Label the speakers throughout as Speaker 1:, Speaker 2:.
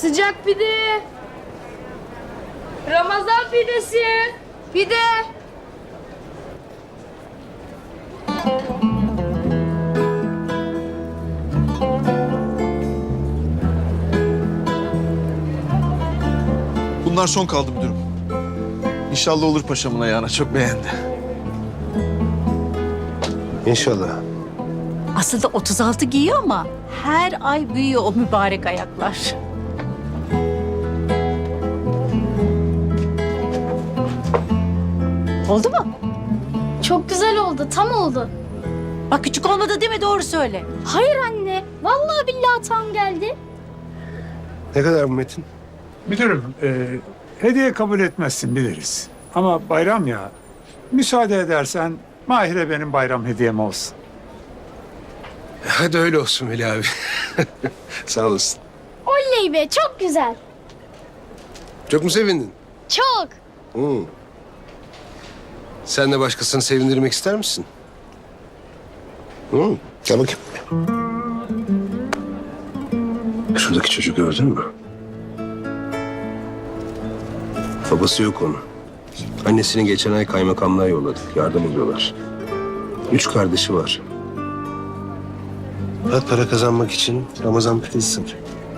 Speaker 1: Sıcak pide. Ramazan pidesi. Pide.
Speaker 2: Bunlar son kaldı müdürüm. İnşallah olur paşamın ayağına, çok beğendi.
Speaker 3: İnşallah.
Speaker 4: Aslında 36 giyiyor ama her ay büyüyor o mübarek ayaklar. Oldu mu?
Speaker 5: Çok güzel oldu, tam oldu.
Speaker 4: Bak küçük olmadı değil mi? Doğru söyle.
Speaker 5: Hayır anne, vallahi billahi tam geldi.
Speaker 3: Ne kadar bu Metin?
Speaker 6: Müdürüm, hediye kabul etmezsin biliriz. Ama bayram ya, müsaade edersen Mahir'e benim bayram hediyem olsun.
Speaker 3: Hadi öyle olsun Veli abi. Sağ olasın.
Speaker 5: Oley be, çok güzel.
Speaker 3: Çok mu sevindin?
Speaker 5: Çok.
Speaker 3: Hı. Sen de başkasını sevindirmek ister misin? Hı. Gel bakayım. Şuradaki çocuğu gördün mü? Babası yok onun. Annesini geçen ay kaymakamlığa yolladık. Yardım ediyorlar. 3 kardeşi var. Rahat para kazanmak için Ramazan pidesi satıyor.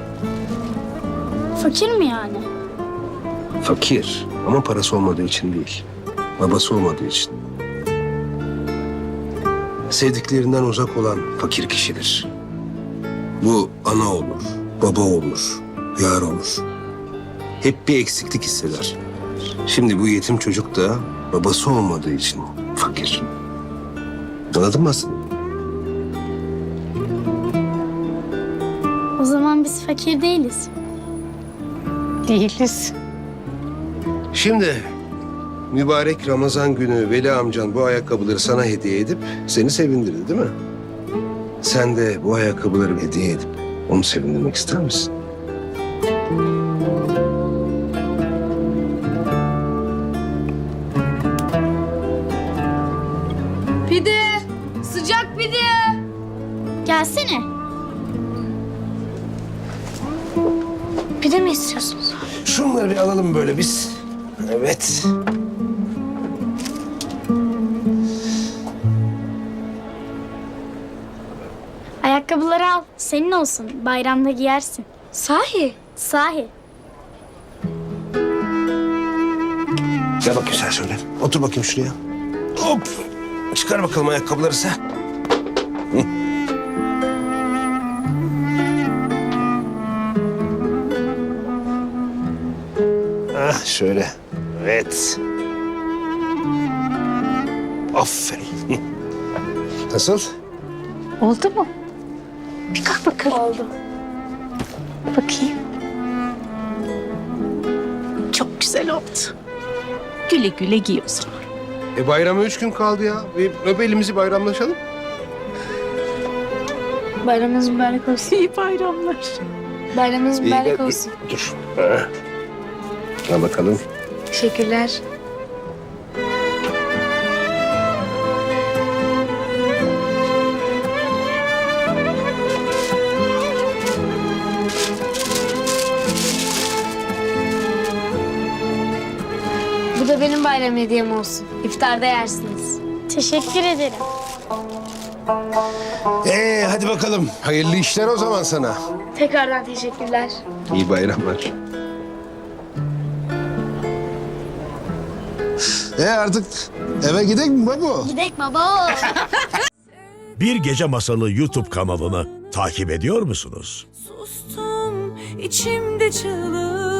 Speaker 5: Fakir mi yani?
Speaker 3: Fakir ama parası olmadığı için değil. Babası olmadığı için. Sevdiklerinden uzak olan fakir kişidir. Bu ana olur, baba olur, yar olur. Hep bir eksiklik hisseder. Şimdi bu yetim çocuk da babası olmadığı için fakir. Anladın mı aslında?
Speaker 5: O zaman biz fakir değiliz.
Speaker 4: Değiliz.
Speaker 3: Şimdi mübarek Ramazan günü Veli amcan bu ayakkabıları sana hediye edip seni sevindirdi değil mi? Sen de bu ayakkabıları hediye edip onu sevindirmek ister misin?
Speaker 1: Pide. Sıcak pide.
Speaker 5: Gelsene. Pide mi istiyorsunuz?
Speaker 3: Şunları bir alalım böyle biz. Evet.
Speaker 5: Ayakkabıları al, senin olsun. Bayramda giyersin.
Speaker 1: Sahi.
Speaker 5: Sahi.
Speaker 3: Gel bakayım sen şöyle. Otur bakayım şuraya. Hop. Çıkar bakalım ayakkabıları sen. Hı. Ah şöyle. Evet. Aferin. Hı. Nasıl?
Speaker 4: Oldu mu? Bir kalk bakalım.
Speaker 5: Oldu.
Speaker 4: Bakayım. Çok güzel oldu. Güle güle giy o zaman.
Speaker 3: Bayrama 3 gün kaldı ya. Bir öp elimizi bayramlaşalım.
Speaker 5: Bayramınız mübarek olsun.
Speaker 4: İyi bayramlar.
Speaker 5: Bayramınız mübarek
Speaker 3: gel,
Speaker 5: olsun.
Speaker 3: Dur. Ha. Al bakalım.
Speaker 5: Teşekkürler.
Speaker 1: Bu da benim bayram hediyem olsun. İftarda yersiniz.
Speaker 5: Teşekkür ederim.
Speaker 3: Hadi bakalım. Hayırlı işler o zaman sana.
Speaker 1: Tekrardan teşekkürler.
Speaker 3: İyi bayramlar. Artık eve gidelim mi baba?
Speaker 5: Gidek baba.
Speaker 7: Bir Gece Masalı YouTube kanalını takip ediyor musunuz?
Speaker 8: Sustum içimde çığlık.